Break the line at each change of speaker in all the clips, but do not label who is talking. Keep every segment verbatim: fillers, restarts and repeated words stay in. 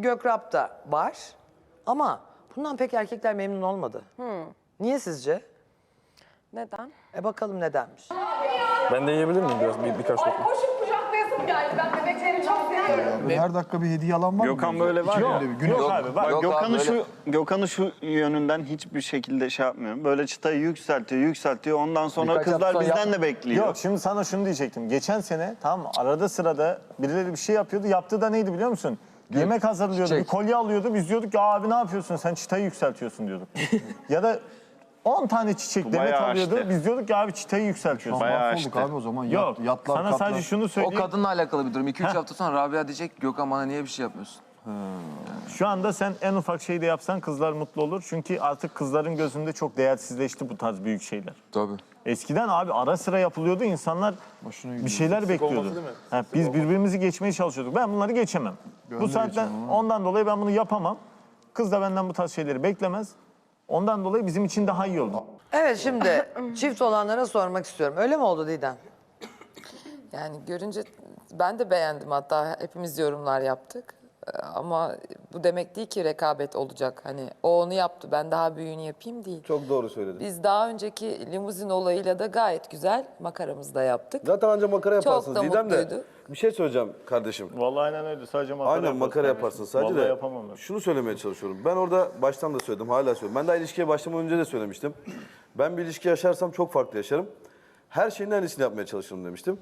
Gökrap da var. Ama bundan pek erkekler memnun olmadı.
Hmm.
Niye sizce?
Neden?
E bakalım nedenmiş.
Ben de yiyebilir miyim biraz bir, birkaç lokma?
Koşup kucaklayasım geldi. Ben bebekleri çok seviyorum.
Her dakika bir hediye alan var mı?
Gökhan böyle var ya.
Yok,
Yok abi bak
yok
Gökhan'ı
abi,
şu Gökhan'ı şu yönünden hiçbir şekilde şey yapmıyorum. Böyle çıtayı yükseltiyor, yükseltiyor. Ondan sonra
Birkaç
kızlar
hafta
bizden
yap-
de bekliyor.
Yok şimdi sana şunu diyecektim. Geçen sene tamam mı? Arada sırada birileri bir şey yapıyordu. Yaptığı da neydi biliyor musun? Yemek hazırlıyordu,
çiçek.
bir kolye alıyordu. Biz diyorduk ya abi ne yapıyorsun sen çıtayı yükseltiyorsun diyorduk. Ya da on tane çiçek
Bu
demet
bayağı
alıyordu.
açtı.
Biz diyorduk ki abi çıtayı yükseltiyorsun.
Bayağı
Mahvolduk
açtı.
abi o zaman. Yat,
Yok
yatlar,
sana
katlar.
sadece şunu
O
söyleyeyim.
kadınla alakalı bir durum. iki üç hafta sonra Rabia diyecek Gökhan bana niye bir şey yapmıyorsun?
Şu anda sen en ufak şeyi de yapsan kızlar mutlu olur. Çünkü artık kızların gözünde çok değersizleşti bu tarz büyük şeyler.
Tabii.
Eskiden abi ara sıra yapılıyordu. İnsanlar bir şeyler bekliyordu. Ha, biz birbirimizi geçmeye çalışıyorduk. Ben bunları geçemem. Bu saatten
geçemem,
ondan dolayı ben bunu yapamam. Kız da benden bu tarz şeyleri beklemez. Ondan dolayı bizim için daha iyi oldu.
Evet şimdi çift olanlara sormak istiyorum. Öyle mi oldu Didem?
Yani görünce ben de beğendim, hatta hepimiz yorumlar yaptık. Ee, Ama bu demek değil ki rekabet olacak. Hani o onu yaptı, ben daha büyüğünü yapayım değil.
Çok doğru söyledin.
Biz daha önceki limuzin olayıyla da gayet güzel makaramızı da yaptık.
Zaten anca makara
Çok
yaparsınız
da
Didem de.
mutluydu.
Bir şey söyleyeceğim kardeşim.
Vallahi aynen öyle. Sadece makara
Aynen
yaparsın.
makara yaparsın sadece
Vallahi
de.
yapamam ben.
Şunu söylemeye çalışıyorum. Ben orada baştan da söyledim, hala söylüyorum. Ben daha ilişkiye başlamadan önce de söylemiştim. Ben bir ilişki yaşarsam çok farklı yaşarım. Her şeyin en iyisini yapmaya çalışırım demiştim.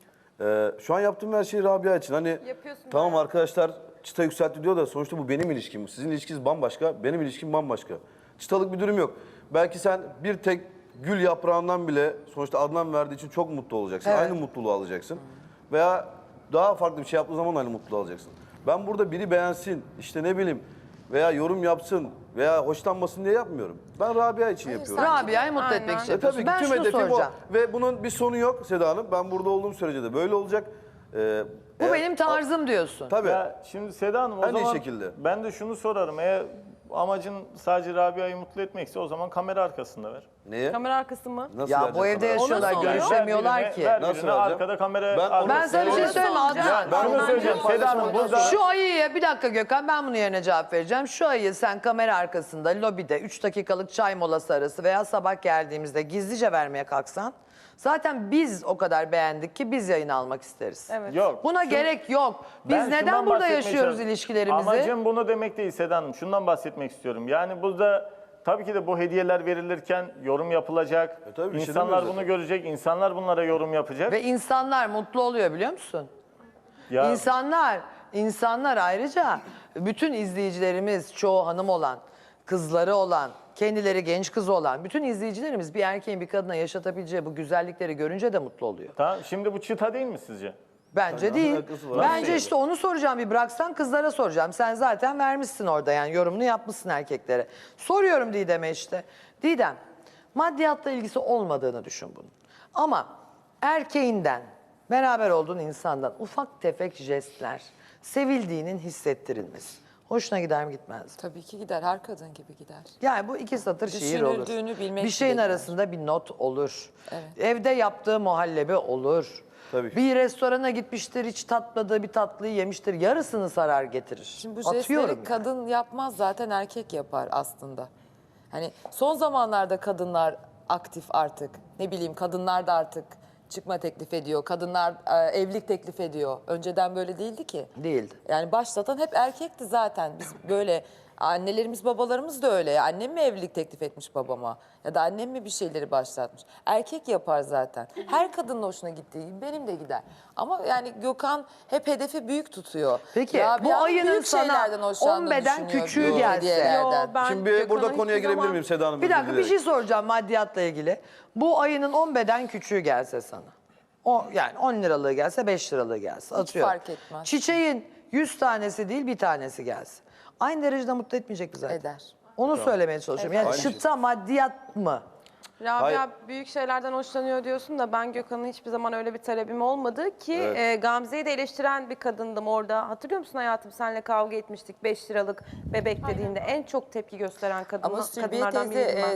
Ee, şu an yaptığım her şey Rabia için. Hani tamam arkadaşlar çıta yükseltti diyor da sonuçta bu benim ilişkim. Sizin ilişkiniz bambaşka, benim ilişkim bambaşka. Çıtalık bir durum yok. Belki sen bir tek gül yaprağından bile sonuçta Adnan verdiği için çok mutlu olacaksın.
Evet.
Aynı mutluluğu alacaksın. Veya daha farklı bir şey yaptığı zaman aynı mutluluğu alacaksın. Ben burada biri beğensin, işte ne bileyim veya yorum yapsın veya hoşlanmasın diye yapmıyorum. Ben Rabia için yapıyorum.
Rabia'yı mutlu etmek için
E
yapıyorsun.
tabii ki
Ben
tüm
şunu
hedefim
soracağım.
o. Ve bunun bir sonu yok Seda Hanım. Ben burada olduğum sürece de böyle olacak. Ee,
Bu
eğer-
benim tarzım diyorsun.
Tabii.
Ya şimdi Seda Hanım o
En iyi
zaman
şekilde.
ben de şunu sorarım. Eğer amacın sadece Rabia'yı mutlu etmekse o zaman kamera arkasında ver.
Neye?
Kamera arkası mı?
Nasıl
Ya
vereceğim
bu evde
kamera?
yaşıyorlar,
Ona sonra.
görüşemiyorlar
Ver
ki.
birine, ver
Nasıl
birine,
vereceğim?
arkada kamera...
Ben
arkada-
Ben sana bir şey söyleyeyim mi Adnan?
Ben
Şunu
onu
söyleyeceğim Seda Hanım burada...
Şu ayıyı, bir dakika Gökhan, ben bunun yerine cevap vereceğim. Şu ayıyı sen kamera arkasında, lobide üç dakikalık çay molası arası veya sabah geldiğimizde gizlice vermeye kalksan, zaten biz o kadar beğendik ki biz yayın almak isteriz.
Evet.
Yok.
Buna
Şu-
gerek yok. Biz
Ben
neden
şundan
burada
bahsetmeye
yaşıyoruz
çalışıyorum.
ilişkilerimizi?
Amacım bunu demek değil Seda Hanım. Şundan bahsetmek istiyorum. Yani burada tabii ki de bu hediyeler verilirken yorum yapılacak.
E tabii, bir şey
insanlar
demiyoruz
bunu
zaten.
görecek. İnsanlar bunlara yorum yapacak.
Ve insanlar mutlu oluyor biliyor musun?
ya,
İnsanlar, insanlar ayrıca bütün izleyicilerimiz, çoğu hanım olan, kızları olan, kendileri genç kız olan bütün izleyicilerimiz bir erkeğin bir kadına yaşatabileceği bu güzellikleri görünce de mutlu oluyor.
tamam, şimdi bu çıta değil mi sizce?
Bence değil.
alakası var?
Bence
Nasıl
işte onu soracağım, bir bıraksan kızlara soracağım. Sen zaten vermişsin orada, yani yorumunu yapmışsın erkeklere. Soruyorum Didem'e işte. Didem, maddiyatla ilgisi olmadığını düşün bunun. Ama erkeğinden, beraber olduğun insandan ufak tefek jestler, sevildiğinin hissettirilmesi. Hoşuna gider mi gitmez mi?
Tabii ki gider, her kadın gibi gider.
Yani bu iki satır şiir olur.
Düşünüldüğünü bilmek
Bir şeyin
bile gider.
arasında bir not olur.
Evet.
Evde yaptığı muhallebi olur.
Tabii.
Bir restorana gitmiştir, hiç tatmadığı bir tatlıyı yemiştir. Yarısını sarar getirir.
Şimdi bu
Atıyorum
jestleri
yani.
kadın yapmaz, zaten erkek yapar aslında. Hani son zamanlarda kadınlar aktif artık. Ne bileyim, kadınlar da artık çıkma teklif ediyor. Kadınlar e, evlilik teklif ediyor. Önceden böyle değildi ki.
Değildi.
Yani başlatan hep erkekti zaten. Biz böyle, annelerimiz babalarımız da öyle. Annem mi evlilik teklif etmiş babama? Ya da annem mi bir şeyleri başlatmış? Erkek yapar zaten. Her kadının hoşuna gittiği gibi benim de gider. Ama yani Gökhan hep hedefi büyük tutuyor.
Peki
Rabia'nın
bu ayının
büyük
sana
şeylerden hoşlandığını
on beden
düşünüyor,
küçüğü
büyük
gelse.
hediyelerden.
Yo, ben
Şimdi bir burada
Gökhan'a
konuya
hiçbir
girebilir
zaman-
miyim Seda Hanım?
Bir dakika,
Özür
bir şey
dilerim.
soracağım maddiyatla ilgili. Bu ayının on beden küçüğü gelse sana. O, yani on liralığı gelse, beş liralığı gelse. Atıyorum.
fark etmez.
Çiçeğin yüz tanesi değil bir tanesi gelse. Aynı derecede mutlu etmeyecek mi zaten?
Eder.
Onu söylemeye çalışıyorum. Yani
Aynı şey.
çıta maddiyat mı?
Rabia
Hayır.
büyük şeylerden hoşlanıyor diyorsun da ben Gökhan'ın hiçbir zaman öyle bir talebim olmadı ki e, Gamze'yi de eleştiren bir kadındım orada. Hatırlıyor musun hayatım, seninle kavga etmiştik beş liralık bebek dediğinde en çok tepki gösteren kadın,
Ama Sülbiye
kadınlardan
teyze
biriydim ben.
e,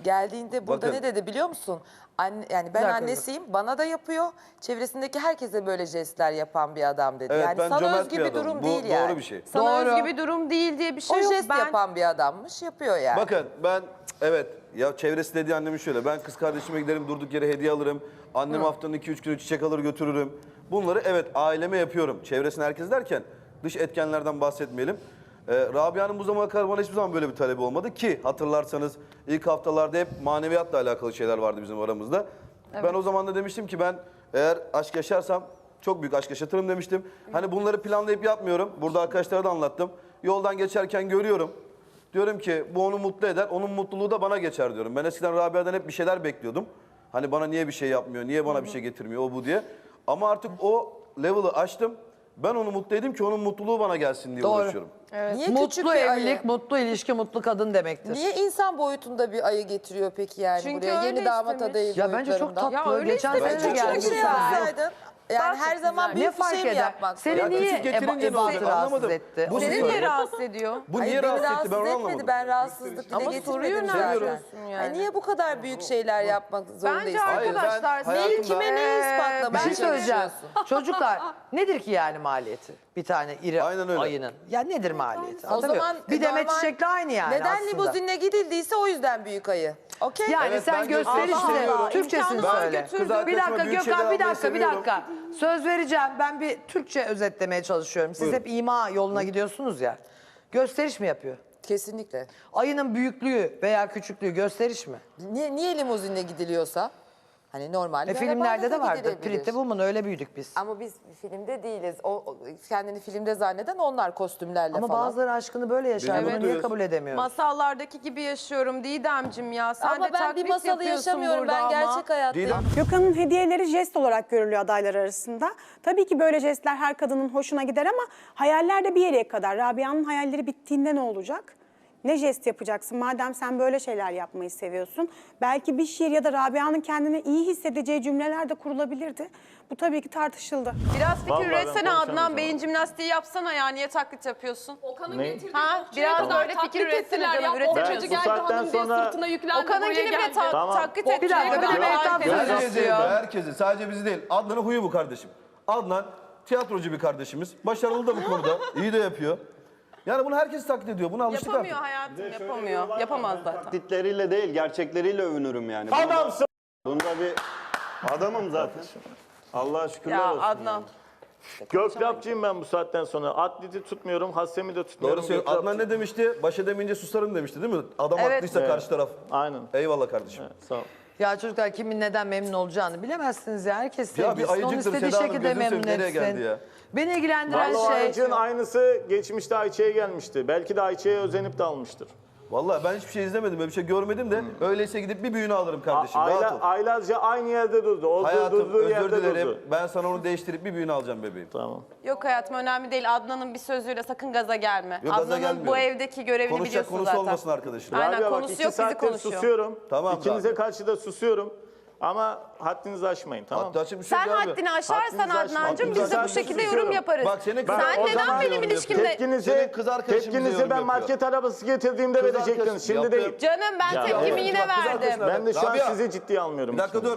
Geldiğinde burada
Bakın.
ne dedi biliyor musun? Anne, yani ben
dakika,
annesiyim, bana da yapıyor. Çevresindeki herkese böyle jestler yapan bir adam dedi.
Evet,
yani
ben
sana
cömert
özgü
bir
bir
adamım.
durum
Bu
değil
doğru
yani.
bir şey.
Sana
Doğru.
özgü bir durum değil diye bir şey
O
yok.
jest
Ben
yapan bir adammış, yapıyor yani.
Bakın ben evet ya çevresi dediği annemin şöyle. Ben kız kardeşime giderim durduk yere hediye alırım. Annem haftanın iki üç kilo çiçek alır götürürüm. Bunları evet aileme yapıyorum. Çevresine herkes derken dış etkenlerden bahsetmeyelim. Ee, Rabia'nın bu zamana kadar bana hiçbir zaman böyle bir talebi olmadı ki hatırlarsanız ilk haftalarda hep maneviyatla alakalı şeyler vardı bizim aramızda. Ben o zaman da demiştim ki ben eğer aşk yaşarsam çok büyük aşk yaşatırım demiştim. Hani bunları planlayıp yapmıyorum. Burada arkadaşlara da anlattım. Yoldan geçerken görüyorum. Diyorum ki bu onu mutlu eder, onun mutluluğu da bana geçer diyorum. Ben eskiden Rabia'dan hep bir şeyler bekliyordum. Hani bana niye bir şey yapmıyor, niye bana bir şey getirmiyor o bu diye. Ama artık o level'ı aştım. Ben onu mutlu edeyim ki onun mutluluğu bana gelsin diye
Doğru.
uğraşıyorum.
Niye küçük
Mutlu
bir
evlilik,
ayı?
mutlu ilişki, mutlu kadın demektir.
Niye insan boyutunda bir ayı getiriyor peki yani
Çünkü
buraya?
öyle
Yeni damat
istemiş.
adayı
Ya bence çok
boyutlarında.
tatlı.
Ya öyle
Geçen
istemiş,
sene de
çok
Küçük bir şey
geldi.
yapsaydın. Yani her zaman
Ne
büyük bir
fark
şey mi
eder?
yapmak
Seni
zorunda?
Ya
niye
küçük getirince
eba,
ne olacak?
ebatı rahatsız
Anlamadım.
etti?
Bu
Onu
niye
Seni
söyle.
ne rahatsız ediyor?
Bu
Hayır,
niye
beni
rahatsız etti ben onu
etmedi.
anlamadım.
Ben rahatsızlık dile
Ama
getirmedim
soruyor ne
zaten.
yapıyorsun yani?
Ay niye bu kadar büyük şeyler yapmak zorundayız?
Bence
Hayır, ben
arkadaşlar
hayatımda-
Neyi kime neyi
Bir
ispatlamaya
şey söyleyeceğim.
çalışıyorsun?
Çocuklar nedir ki yani maliyeti? Bir tane iri
Aynen öyle.
ayının. Ya nedir maliyeti?
O
Anlatabiliyor
zaman
muyum? Bir demet
normal-
çiçekle aynı yani
Neden
aslında.
limuzinle gidildiyse o yüzden büyük ayı. Okey?
Yani
Evet,
sen
ben
gösterişle,
gösteriyorum.
Türkçesini
İmkanı var,
söyle.
götürdüm.
Kız
Bir
arkadaşıma
dakika
büyük şeyler
Gökhan, bir
almayı
dakika, bir
seviyorum.
dakika. Söz vereceğim. Ben bir Türkçe özetlemeye çalışıyorum. Siz
Buyurun.
hep ima yoluna gidiyorsunuz ya. Gösteriş mi yapıyor?
Kesinlikle.
Ayının büyüklüğü veya küçüklüğü gösteriş mi?
Niye, niye limuzinle gidiliyorsa? Hani normal
E
bir
filmlerde
arabayla
de
da
vardı.
gidilebilir.
Pretty Woman öyle büyüdük biz.
Ama biz filmde değiliz. O, o- kendini filmde zanneden onlar kostümlerle
Ama
falan.
bazıları aşkını böyle yaşar.
Benim
Bunu niye
mutluyuz.
kabul edemiyoruz?
Masallardaki gibi yaşıyorum Didemcim ya. Sen
Ama
de
ben bir
taklit
masalı
yapıyorsun
yaşamıyorum.
burada
Ben
ama.
gerçek hayattayım.
Didem.
Gökhan'ın hediyeleri jest olarak görülüyor adaylar arasında. Tabii ki böyle jestler her kadının hoşuna gider ama hayaller de bir yere kadar. Rabia'nın hayalleri bittiğinde ne olacak? Ne jest yapacaksın? Madem sen böyle şeyler yapmayı seviyorsun. Belki bir şiir ya da Rabia'nın kendini iyi hissedeceği cümleler de kurulabilirdi. Bu tabii ki tartışıldı.
Biraz fikir
Vallahi ben
üretsene
konuşamayacağım.
Adnan. Beyin jimnastiği yapsana ya. Niye taklit yapıyorsun?
Okan'ın
Ne?
getirdiği
Ha, biraz da öyle fikir üretsene canım. Üretemiyorsun.
bu saatten sonra
Okan'ınkini bile ta-
Tamam.
taklit
Bir
etmeye
dakika, bir
kadar
de Mehtap
herkes
söz
Herkesi,
istiyor.
herkesi. Sadece bizi değil. Adnan'ın huyu bu kardeşim. Adnan tiyatrocu bir kardeşimiz. Başarılı da bu konuda. İyi de yapıyor. Yani bunu herkes taklit ediyor. Buna alıştık
Yapamıyor
artık.
hayatım, yapamıyor. Yapamaz zaten.
Taklitleriyle değil, gerçekleriyle övünürüm yani.
Adamsın.
Bunda bir adamım zaten.
Allah'a şükürler
Ya
olsun.
Adnan.
Gökrapçıyım ben bu saatten sonra. Atleti tutmuyorum, hassemi de tutmuyorum.
Doğru söylüyor.
Gökrapçı.
Adnan ne demişti? Baş edemeyince susarım demişti değil mi? Adam
Evet.
haklıysa
Evet.
karşı taraf.
Aynen.
Eyvallah kardeşim.
Sağ ol.
Ya çocuklar kimin neden memnun olacağını bilemezsiniz ya. Herkes
Ya bir
sevgilisi. Onun
ayıcıktır
istediği
Seda Hanım,
şekilde
gözünü
memnun
seveyim, nereye geldi
etsin.
ya?
Beni ilgilendiren
Vallahi o
şey...
ayıcığın aynısı geçmişte Ayça'ya gelmişti. Belki de Ayça'ya özenip de almıştır.
Vallahi ben hiçbir şey izlemedim, böyle bir şey görmedim de öyleyse gidip bir büyüğünü alırım kardeşim.
A-
Rahat ol.
ayla, aylarca aynı yerde durdu. O
Hayatım
durduğu
özür
yerde
dilerim.
durdu.
Ben sana onu değiştirip bir büyüğünü alacağım bebeğim.
Tamam.
Yok hayatım önemli değil. Adnan'ın bir sözüyle sakın gaza gelme.
Yok, gaza
Adnan'ın
gelmiyorum.
bu evdeki görevini
Konuşacak
biliyorsun
konusu
zaten.
olmasın arkadaşım.
Aynen,
Rabia bak,
konusu
iki
yok, bizi
saattir
konuşuyor.
susuyorum.
Tamam,
İkinize
Rabia.
karşı da susuyorum. Ama haddinizi aşmayın, tamam
Hatta açık bir şey
Sen
yok abi.
haddini aşarsan
Haddinizi aşmayın.
Adnancığım biz de bu
Haddinizi
şekilde
aşmayın.
yorum yaparız.
Bak senin kız-
Sen
o
neden
zaman
benim
yorum
ilişkimde...
Tepkinizi,
Senin kız arkadaşın bize
tepkinizi
yorum
ben
yapıyor.
market arabası getirdiğimde
Kız
verecektiniz.
arkadaşın
Şimdi
yaptı.
değil.
Canım ben
Ya,
tepkimi
evet.
yine
Bak, kız
verdim.
arkadaşına-
Ben de şu an
Rabia,
sizi ciddiye almıyorum.
Bir dakika
ikinizi.
dur.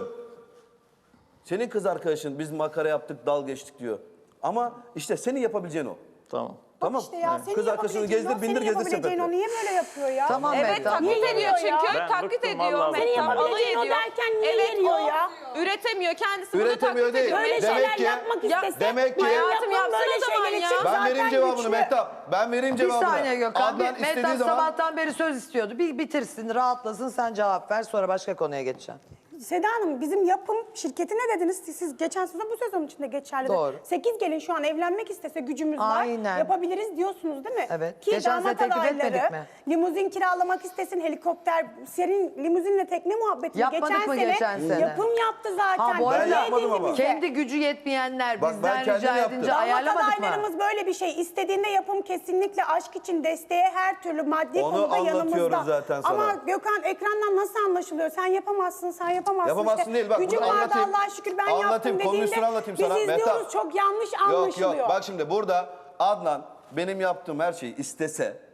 Senin kız arkadaşın biz makara yaptık, dal geçtik diyor. Ama işte senin yapabileceğin o.
Tamam.
Tamam.
İşte ya senin
Kız arkadaşını
yapabileceğin
gezdir,
o,
bindir,
senin
gezdir
yapabileceğin o
sepette.
niye böyle yapıyor ya?
Tamam
Evet
Mehtap.
taklit ediyor çünkü.
Ben
taklit
bıktım
ediyor.
vallahi.
Mehtap
Senin
alay
yapabileceğin o
ediyor.
derken niye
Evet
yeriyor
o
ya?
üretemiyor. Kendisi bunu
Üretemiyor
taklit
değil.
ediyor.
Böyle
Demek
şeyler
ki-
yapmak
Ya-
istese
demek ki-
hayatım
Hayatım
yapsın
yapsana
böyle
o zaman
şeyler
ya.
için
Ben
zaten
vereyim cevabını
güçlü.
Mehtap. Ben vereyim
Bir
cevabını.
saniye Gökhan.
Adnan
Bir,
istediği
Mehtap
zaman...
sabahtan beri söz istiyordu. Bir bitirsin, rahatlasın, sen cevap ver. Sonra başka konuya geçeceğim.
Seda Hanım bizim yapım şirketi ne dediniz? Siz, siz geçen sezon bu sezon içinde geçerli.
Doğru.
sekiz gelin şu an evlenmek istese gücümüz
Aynen.
var. Yapabiliriz diyorsunuz değil mi?
Evet.
Ki
Geçen sene
damat
teklif
adayları
etmedik mi?
limuzin kiralamak istesin, helikopter, senin limuzinle tekne muhabbetini
Yapmadık
geçen
mı
sene,
geçen sene?
yapım yaptı zaten.
Ha, bu
Niye
arada-
Ben yapmadım
edildi
ama.
bize?
Kendi gücü yetmeyenler
Bak, ben
bizden
kendim
rica
yaptım.
edince
Damat
ayarlamadık mı?
adaylarımız böyle bir şey. İstediğinde yapım kesinlikle aşk için desteğe her türlü maddi
Onu
konuda
anlatıyoruz
yanımızda.
zaten sana.
Ama Gökhan ekrandan nasıl anlaşılıyor? Sen yapamazsın, sen yapamazsın.
Yapamazsın
işte.
değil, bak
Gücüm
bunu
vardı
anlatayım.
Allah'a şükür ben
Anlatayım,
yaptım
konunun
dediğinde
üstüne anlatayım sana.
biz izliyoruz
Mehtap.
çok yanlış
Yok
anlaşılıyor.
yok bak şimdi burada Adnan benim yaptığım her şeyi istese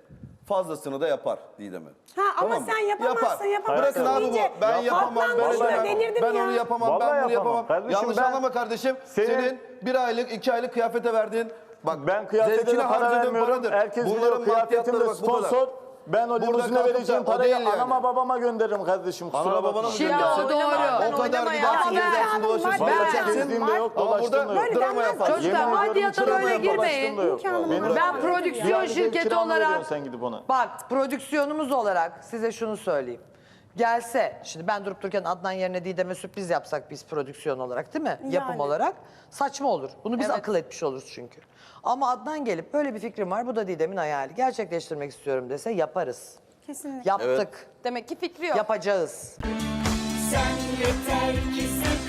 fazlasını da yapar Didem'e.
Ha ama
Tamam mı?
sen yapamazsın,
Yapar.
yapamazsın
Bırakın abi bu.
deyince
Ben yapamam,
Adnan
böyle
Boz'la
yapamam.
delirdim
Ben
ya.
onu yapamam,
Vallahi
ben bunu
yapamam.
yapamam.
Kardeşim
Yanlış
ben-
anlama kardeşim.
Senin-
Senin bir aylık, iki aylık kıyafete verdiğin, bak
Ben kıyafete
zevkine
de para
harcadığın
vermiyorum.
paradır.
Herkes
Bunların
biliyor kıyafetim de
maddiyatları bak bu kadar.
sponsor. Ben o
Burada
limuzine
kalkıp da
vereceğim
o
parayı
değil yani.
anama babama gönderirim kardeşim. Kusura
Anana babana
bakma.
mı
Şimdi
göndersin?
o doğru.
O kadar
Oynama ya.
gidersin,
Ama ben-
gezersin, dolaşırsın,
Ben-
dolaşacaksın.
Gezdiğim de yok,
Ama
dolaştığım da
burada
yok.
drama
denmez.
yaparsın.
Çocuklar,
Yemin ediyorum,
maddiyata
drama
böyle
yapıp
girmeyin.
dolaştığım da yok.
İmkanım
Beni
var.
bırak.
Ben prodüksiyon
Yani bir
şirketi
kiramı
olarak,
veriyorsun sen gidip ona.
bak prodüksiyonumuz olarak size şunu söyleyeyim. Gelse, şimdi ben durup dururken Adnan yerine Didem'e sürpriz yapsak biz prodüksiyon olarak değil mi? Yapım
Yani.
olarak saçma olur. Bunu biz
Evet.
akıl etmiş oluruz çünkü. Ama Adnan gelip böyle bir fikrim var, bu da Didem'in hayali. Gerçekleştirmek istiyorum dese yaparız.
Kesinlikle.
Yaptık,
Demek ki fikri yok.
yapacağız.
Sen yeter ki sev